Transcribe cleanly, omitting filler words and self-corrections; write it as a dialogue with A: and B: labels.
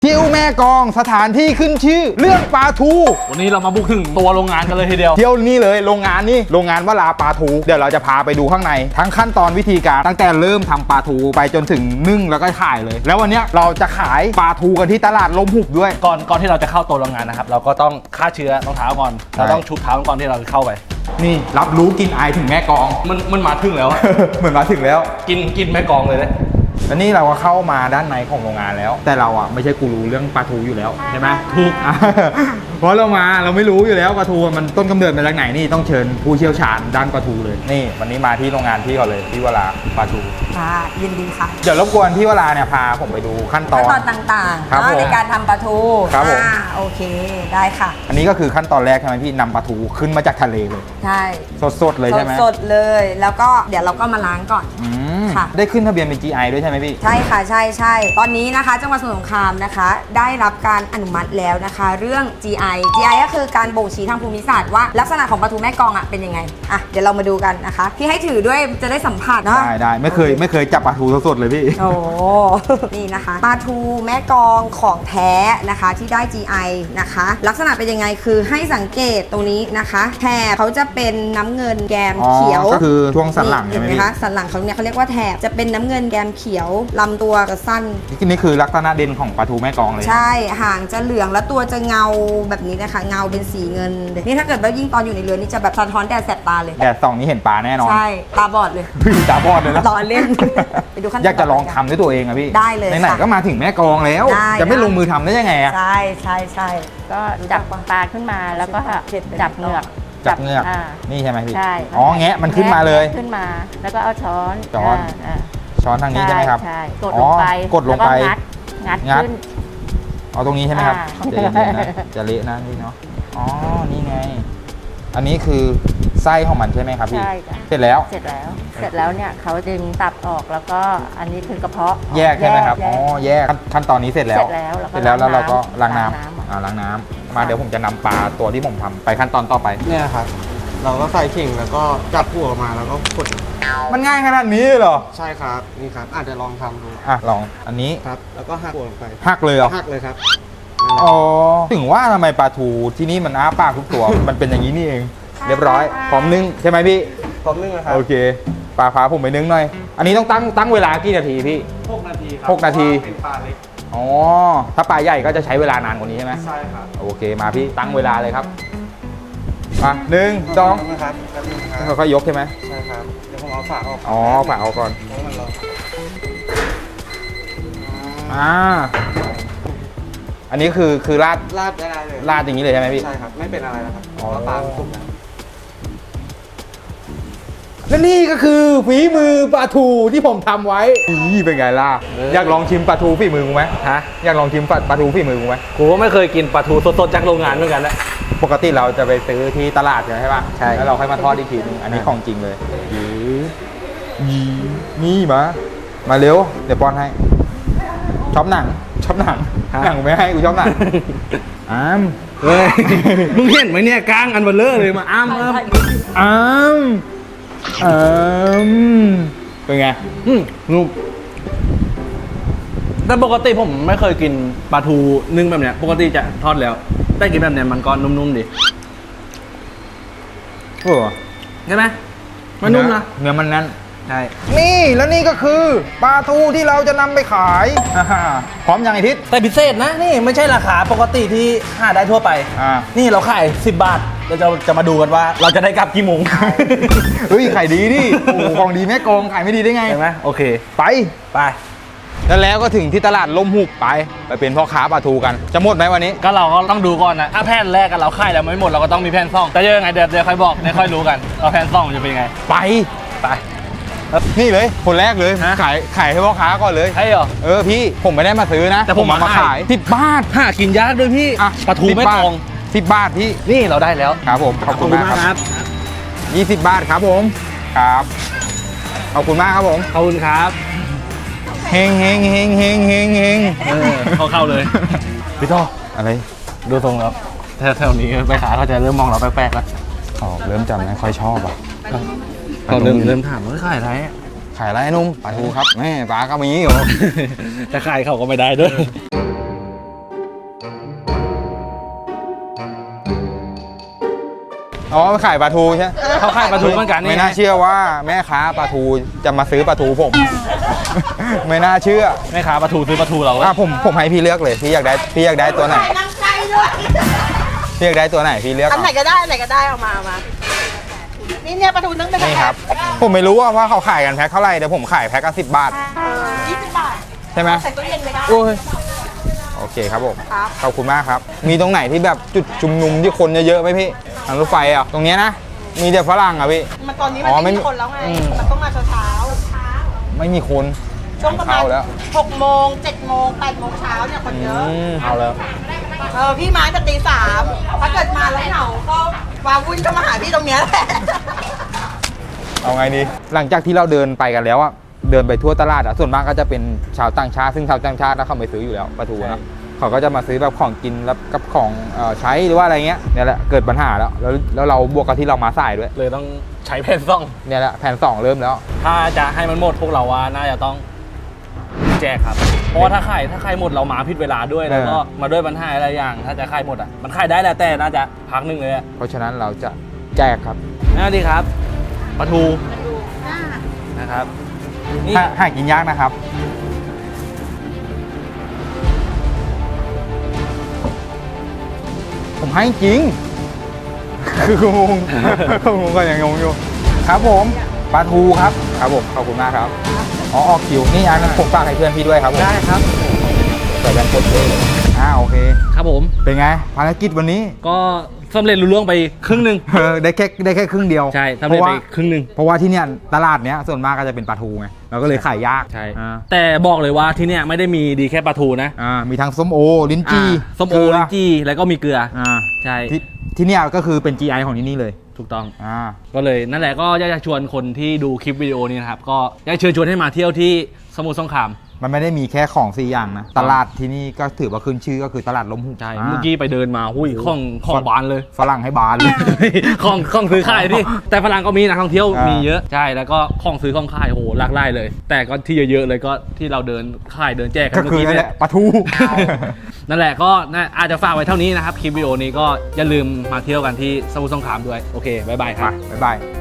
A: ทิวแม่กองสถานที่ขึ้นชื่อเรื่องปลาทู
B: วันนี้เรามาบุกถึงตัวโรงงานกันเลยทีเดียว
A: เที่ยวนี่เลยโรงงานวลาปลาทูเดี๋ยวเราจะพาไปดูข้างในทั้งขั้นตอนวิธีการตั้งแต่เริ่มทำปลาทูไปจนถึงนึ่งแล้วก็ขายเลยแล้ววันนี้เราจะขายปลาทูกันที่ตลาดลมหุบด้วย
B: ก่อนที่เราจะเข้าตัวโรงงานนะครับเราก็ต้องฆ่าเชื้อรองเท้าก่อนเราต้องชุบเท้าก่อนที่เราจะเข้าไป
A: นี่รับรู้กินไอถึงแม่กอง
B: มันมาถึงแล้ว
A: เหมือนมาถึงแล้ว
B: กินแม่กองเลยนะ
A: แล้วนี่เราก็เข้ามาด้านในของโรงงานแล้ว แต่เราอ่ะไม่ใช่กูรู้เรื่องปลาทูอยู่แล้วใช่ไหมถูก เพราะเราไม่รู้อยู่แล้วปลาทูมันต้นกำเนิดมาจากไหนนี่ต้องเชิญผู้เชี่ยวชาญด้านปลาทูเลยนี่วันนี้มาที่โรงงานพี่ก่อนเลยพี่วราปลาทู
C: ค่ะยินดีค่ะ
A: เดี๋ยวรบกวนพี่วราเนี่ยพาผมไปดูขั้นตอน
C: ต่างๆ
A: ครับ
C: ในการทำปลาทู
A: ครับผม
C: โอเคได้ค่ะ
A: อันนี้ก็คือขั้นตอนแรกใช่ไหมพี่นำปลาทูขึ้นมาจากทะเลเลย
C: ใช่
A: สดเลยใช่ไหม
C: สดเลยแล้วก็เดี๋ยวเราก็มาล้างก่อนค่ะ
A: ได้ขึ้นทะเบียนเป็น GI ด้วยใช่ไหมพี่
C: ใช่ค่ะใช่ตอนนี้นะคะจังหวัดสมุทรสงครามนะคะได้รับการอนุมัติแล้วนะคะเรื่อง GI ก็คือการบ่งชี้ทางภูมิศาสตร์ว่าลักษณะของปลาทูแม่กองอ่ะเป็นยังไงอ่ะเดี๋ยวเรามาดูกันนะคะพี่ให้ถือด้วยจะได้สัมผัสเนาะ
A: ได้ไม่เคยจับปลาทูสดเลยพี่
C: โอ้ นี่นะคะปลาทูแม่กองของแท้นะคะที่ได้ GI นะคะลักษณะเป็นยังไงคือให้สังเกตตรงนี้นะคะแถบเขาจะเป็นน้ำเงินแกมเขียว
A: ก็คือช่วงสันหลังใช่ไหมพี่
C: สันหลังเขาเนี่ยเขาเรียกว่าแถบจะเป็นน้ำเงินแกมเขียวลำตัวจะสั้น
A: นี่คือลักษณะเด่นของปลาทูแม่กองเลย
C: ใช่หางจะเหลืองแล้วตัวจะเงาแบบนี้นะคะเงาเป็นสีเงินนี่ถ้าเกิดว่ายิ่งตอนอยู่ในเรือนี่จะแบบสะท้อนแดดแสบตาเลย
A: แดดส่องนี้เห็นปลาแน่นอน
C: ใช่ตาบอดเลย
A: ตาบอดเลยนะ
C: รอเล่นไปดูขั้นตอน
A: อยากจะลองทำด้วยตัวเองอะพี่
C: ได้เลย
A: ไหนๆก็มาถึงแม่กองแล้วจะไม่ลงมือทำได้ยังไงอะ
C: ใช่
D: ก็จับปลาขึ้นมาแล้วก็จับเหงือก
A: นี่ใช่ไหมพี่
D: ใช่
A: อ๋อแงะมันขึ้นมาเลย
D: ขึ้นมาแล้วก็เอาช้อน
A: ทางนี้ใช่ไหมครับ
D: ใช่กดลงไปงัดขึ้น
A: เอาตรงนี้ใช่ไหมครับจะเละนะพี่เนาะอ๋อนี่ไงอันนี้คือไส้ของมันใช่ไหมครับพี่เสร็จแล้ว
D: เนี่ยเขาดึงตับออกแล้วก็อันนี้คือกระเพาะ
A: แยกใช่ไหมครับอ๋อแยกขั้นตอนนี้เสร็จแล้วแล้วเราก็ล้างน้ำล้างน้ำมาเดี๋ยวผมจะนำปลาตัวที่ผมทำไปขั้นตอนต่อไป
E: เนี่ยครับเราก็ใส่เข่งแล้วก็จับหัวมาแล้วก็กด
A: มันง่ายขนาดนี้เหรอ
E: ใช่ครับนี่ครับอาจจะลองทำดู
A: ลองอันนี้
E: ครับแล้วก็หักหัวลงไป
A: หักเลยเหรอ
E: หักเลยครับ
A: อ๋อถึงว่าทำไมปลาทูที่นี่มันอ้าปากทุกตัว มันเป็นอย่างนี้นี่เองเรียบร้อยพร้อมนึ่งใช่ไหมพี่
E: พร้อมนึ่งนะครับ
A: โอเคปลาพาผมไปนึ่งหน่อยอันนี้ต้องตั้งเวลากี่นาทีพี่
E: 6 นาทีครับ
A: 6 นาที
E: เป็นปลาเล็ก
A: อ๋อถ้าปลาใหญ่ก็จะใช้เวลานานกว่านี้ใช่ไหม
E: ใช่ครับ
A: โอเคมาพี่ตั้งเวลาเลยครับมา1 2
E: นะครับ
A: ค่อยๆยกใช่ไหม
E: ใช่ครับเดี๋ยวผมเอาฝาออก
A: ฝาออกก่อนอันนี้คือราด
E: ได้เลย
A: ราดอย่างนี้เลยใช่ไหมพี่
E: ใช่ครับไม่เป็นอะไรนะครับเพราะปลาสุกแล้ว
A: และนี่ก็คือฝีมือปลาทูที่ผมทำไว้เป็นไงล่ะอยากลองชิมปลาทูฝีมือกูไหมอยากลองชิมปลาทูฝีมือกูไหม
B: กูก็ไม่เคยกินปลาทูสดๆจากโรงงานเหมือนกันแหละ
A: ปกติเราจะไปซื้อที่ตลาดใช่ป่ะใช่แล้วเราค่อยมาทอดอีกทีนึงอันนี้ของจริงเลยนี่มาเร็วเดี๋ยวป้อนให้ชอบหนังไม่ให้กูชอบหนัง
B: เฮ้ยมึงเห็นไหมเนี่ยกลางอันเบลเลอร์เลยมา
A: เป็นไง
B: นุ่มแต่ปกติผมไม่เคยกินปลาทูนึ่งแบบเนี้ยปกติจะทอดแล้วแต่กินแบบเนี้ยมันก็นุ่มๆดิใช่ไหมมันนุ่มนะ
A: เนื้อมันนั่น
B: ใช่
A: นี่แล้วนี่ก็คือปลาทูที่เราจะนำไปขายพร้อมยังไอทิศ
B: แต่พิเศษนะนี่ไม่ใช่ราคาปกติที่หาได้ทั่วไปนี่เราขาย10 บาทเราจะมาดูกันว่าเราจะได้กลับกี่โมง
A: เฮ้ยขายดีดิโอ้ของดีแม่กองขายไม่ดีได้ไง
B: ใช่ไหมโอเค
A: ไปแล้วก็ถึงที่ตลาดลมหุบไปเป็นพ่อค้าปลาทูกันจะหมดไหมวันนี้
B: ก็เราก็ต้องดูก่อนนะถ้าแผ่นแรกกันเราขายแล้วไม่หมดเราก็ต้องมีแผ่นซ่องแต่ยังไงเดี๋ยวค่อยบอกค่อยรู้กันว่าแผ่นซ่องจะเป็นยังไง
A: ไปนี่เลยคนแรกเลยขายให้พ่อค้าก่อนเลย
B: ใช่เหรอ
A: พี่ผมไม่ได้มาซื้อนะ
B: แต่ผมมาขาย
A: 10 บาท
B: หากินยากด้วยพี่ปลาทูไม่ตรง
A: 10 บาทพี่
B: นี่เราได้แล้ว
A: ครับผมขอบคุณมากครับ20 บาทครับผมครับขอบคุณมากครับผม
B: ขอบคุณครับ
A: เฮง
B: เข้าเลยพี่ต่อ
A: อะไร
B: ดูทรงแล้วแถวนี้ไปขาเขาจะเริ่มมองเราแปลกๆแล้ว
A: เริ่มจำไม่ค่อยชอบ
B: เขาเริ่มถามว่าขายอะไร
A: ขายอะไรนุ่มปลาทูครับแม่ปลาก็มีอยู่
B: จะขายเขาก็ไม่ได้ด้วย
A: อ๋อขายปลาทูใช่ไหม
B: เขาขายปลาทูเหมือนกันนี่
A: ไม่น่าเชื่อว่าแม่ค้าปลาทูจะมาซื้อปลาทูผม ไม่น่าเชื่อ
B: แม่ค้าปลาทูซื้อปลาทูเรา
A: ผมให้พี่เลือกเลยพี่อยากได้ตัวไหน
F: น้ำใจด้วย
A: พี่อยากได้ตัวไหนพี่เลือก
F: อัน
A: เอา
F: ไหนก็ได้อันไหนก็ได้เอามานี่เนี่ยปลาทูนึ่งเป็น
A: นี่ครับ ผมไม่รู้ว่าเขาขายกันแพ็คเท่าไหร่แต่ผมขายแพ็คละ10 บาท
F: 20 บาท
A: ใช่ไหม
F: ใส่ตู้เย็นเลยได้
A: โอ้ยโอเคครับผม
F: ครับ
A: ขอบคุณมากครับ มีตรงไหนที่แบบจุดชุมนุมที่คนเยอะๆไหมพี่ทางรถไฟอ่ะตรงเนี้ยนะ มีแต่ฝรั่งอ่ะพี่
F: มันตอนนี้
A: อ๋อ
F: มันไม่
A: ไม่
F: มีคนแล้วไง มันต้องมาเช้า
A: ไม่มีคน
F: ช่วงประมาณ
A: เข้าแล้ว
F: 6 โมง 7 โมง 8 โมงเช้าเนี่ยคนเยอะ
A: เอาแล้ว
F: พี่มาตั้งแต่ตี 3ถ้าเกิดมาแล้วเหงาก็วาวุ่นก็มาหาพี่ตรงเนี้ยแหละ
A: เอาไงดีหลังจากที่เราเดินไปกันแล้วอ่ะเดินไปทั่วตลาดอ่ะส่วนมากก็จะเป็นชาวต่างชาติซึ่งชาวต่างชาติเขาไม่ซื้ออยู่แล้วปลาทูนะเขาก็จะมาซื้อแบบของกินแล้วกับของใช้หรือว่าอะไรเงี้ยเนี่ยแหละเกิดปัญหาแล้วเราบวกกับที่เรามาสายด้วย
B: เลยต้องใช้แผ่นซ่อง
A: เนี่ยแหละแผน2เริ่มแล้ว
B: ถ้าจะให้มันหมดพวกเราว่าน่าจะต้องแจกครับ เพราะว่าถ้าขายหมดเรามาผิดเวลาด้วยแล้วก็มาด้วยปัญหาอะไรอย่าง ถ้าจะขายหมดอ่ะมันขายได้แหละแต่น่าจะพักหนึงเลยอะ
A: เพราะฉะนั้นเราจะแจกครับ
B: น่าดีครับปลาทูนะครับนี่
A: หากินยากนะครับ ผมให้จริง คืองง ผมก็ยังงงอยู่ ครับผมปลาทูครับครับผมขอบคุณมากครับอ๋อออกคิวนี่อันนั้นผมฝากให้เพื่อนพี่ด้วยครับผม
B: ได้ครับ
A: ใส่แบนโคตรเท่เลยโอเค
B: ครับผม
A: เป็นไงภารกิจวันนี้
B: ก็สำเร็จลุล่วงไปครึ่งหนึ่ง
A: ได้แค่ครึ่งเดียว
B: ใช่สำเร็จไปครึ่งหนึ่ง
A: เพราะว่าที่เนี่ยตลาดเนี้ยส่วนมากก็จะเป็นปลาทูไงเราก็เลยขายยาก
B: ใช่
A: อ่า
B: แต่บอกเลยว่าที่เนี่ยไม่ได้มีดีแค่ปลาทูนะ
A: มีทั้งส้มโอลิ้นจี่
B: ส้มโอ
A: เกลื
B: ลิ้นจี่แล้วก็มีเกลือ ใช่
A: ที่เนี่ยก็คือเป็น GI ของที่นี่เลย
B: ถูกต้อง
A: อ่า
B: ก็เลยนั่นแหละก็อยากจะชวนคนที่ดูคลิปวิดีโอนี้นะครับ ก็อยากเชิญชวนให้มาเที่ยวที่สมุทรสงคราม
A: มันไม่ได้มีแค่ของ4อย่างนะตลาดที่นี่ก็ถือว่าขึ้นชื่อก็คือตลาดล้มหุบ
B: ใช่ เมื่อกี้ไปเดินมาหุ้ยของบานเลย
A: ฝรั่งให้บานเลย
B: ของซื้อขายที่แต่ฝรั่งก็มีนักท่องเที่ยว
A: อ่ามี
B: มีเยอะใช่แล้วก็ของซื้อของขายโอ้โหหลากหลายเลย แต่ก็ที่เยอะๆเลยก็ที่เราเดินขายเดินแจกกั
A: ก็
B: นเมื่อ
A: คือ
B: กี้
A: นั่นแห
B: เนี่ย
A: ละปลาทู
B: นั่นแหละก็อาจจะฝากไว้เท่านี้นะครับคลิปวิดีโอนี้ก็อย่าลืมมาเที่ยวกันที่สมุทรสงครามด้วยโอเคบ๊ายบายครับ
A: บ๊ายบาย